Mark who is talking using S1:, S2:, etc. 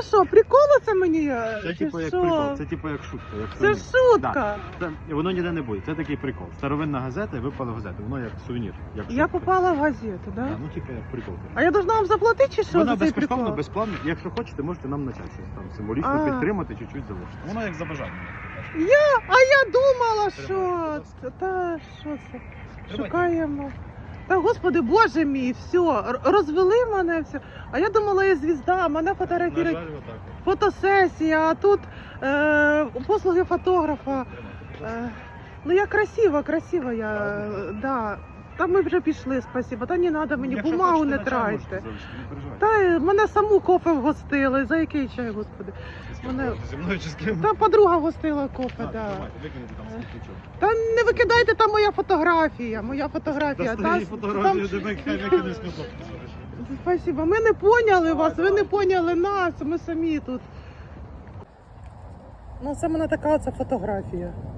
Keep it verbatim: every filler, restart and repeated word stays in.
S1: це що, прикол це мені?
S2: Це
S1: Чи
S2: типу як
S1: що?
S2: прикол, це типу як шутка. Як
S1: Це
S2: сувенір.
S1: шутка.
S2: Да. Це, воно ніде не буде, це такий прикол. Старовинна газета, випала в газету, воно як сувенір. Як
S1: Я
S2: шутка.
S1: попала в газету, да?
S2: Да, ну типу як прикол.
S1: А я должна вам заплатити чи що
S2: Вона
S1: за цей
S2: безкоштовно,
S1: прикол?
S2: безплатно. Якщо хочете, можете нам начати щось там символічно
S1: А.
S2: підтримати, чуть-чуть залишити. Воно як за бажанням.
S1: Я, а я думала, що
S2: Тримайте,
S1: це, та що це?
S2: Тримайте.
S1: Шукаємо. Та господи, боже мій, все, р- розвели мене все. А я думала, я звізда, мене
S2: На
S1: фотографують
S2: жаль, отак.
S1: фотосесія, а тут е, послуги фотографа. Е, ну я красива, красива я, е, да. Та ми вже пішли, спасибо. Та не треба мені,
S2: Якщо
S1: бумагу
S2: хочете,
S1: не
S2: на чай можете
S1: трайте.
S2: залишити, не переживайте.
S1: Та е, мене саму кофе вгостили. За який чай, господи?
S2: З ким
S1: мене-
S2: можете, зі мною чи з ким?
S1: Та подруга гостила кофе,
S2: А,
S1: да.
S2: давайте, викинете там світлячок.
S1: Та не викидайте, там моя фотографія, моя фотографія.
S2: Та стоїть
S1: Та,
S2: фотографію,
S1: там-
S2: де ми хай викине сміток.
S1: Спасибо. Ми не поняли
S2: Давай,
S1: вас, ви
S2: давай.
S1: не поняли нас, ми самі тут. Ну, це в мене така оця фотографія.